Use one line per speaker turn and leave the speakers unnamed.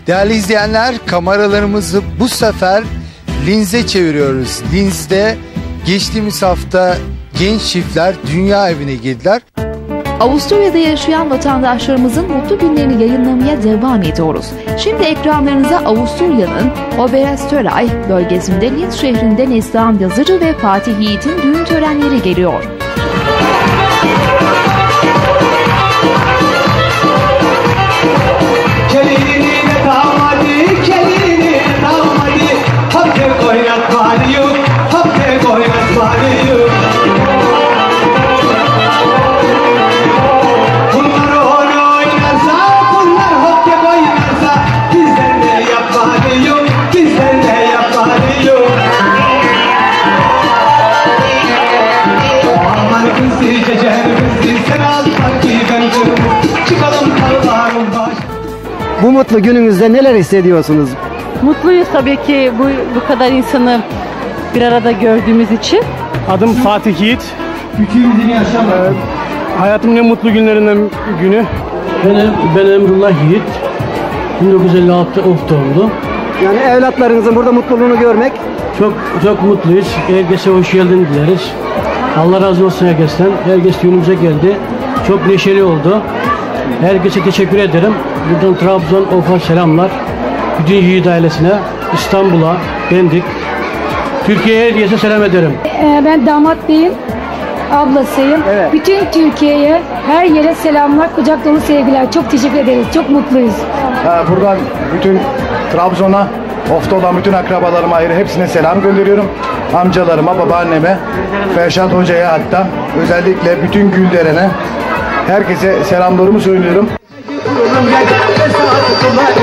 Değerli izleyenler, kameralarımızı bu sefer Linz'e çeviriyoruz. Linz'de geçtiğimiz hafta genç çiftler dünya evine girdiler.
Avusturya'da yaşayan vatandaşlarımızın mutlu günlerini yayınlamaya devam ediyoruz. Şimdi ekranlarınıza Avusturya'nın Oberösterreich bölgesinde Linz şehrinde Neslihan Yazıcı ve Fatih Yiğit'in düğün törenleri geliyor.
Bu mutlu gününüzde neler hissediyorsunuz?
Mutluyuz tabii ki bu kadar insanı bir arada gördüğümüz için.
Adım Fatih Yiğit. Hayatımın en mutlu günlerinden günü.
Ben Emrullah Yiğit. 1956 doğumlu.
Yani evlatlarınızın burada mutluluğunu görmek.
Çok mutluyuz. Herkese hoş geldin dileriz. Allah razı olsun herkesten. Herkes düğünümüze geldi. Çok neşeli oldu. Herkese teşekkür ederim. Buradan Trabzon, Of'a selamlar. Bütün Yiğit ailesine, İstanbul'a, Pendik, Türkiye'ye herkese selam ederim.
Ben damat beyin ablasıyım.
Evet.
Bütün Türkiye'ye, her yere selamlar, kucak dolu sevgiler. Çok teşekkür ederiz. Çok mutluyuz.
Buradan bütün Trabzon'a, Of'ta olan bütün akrabalarıma ayrı hepsine selam gönderiyorum. Amcalarıma, babaanneme, Ferşat Hoca'ya hatta özellikle bütün Gülderen'e herkese selamlarımı söylüyorum.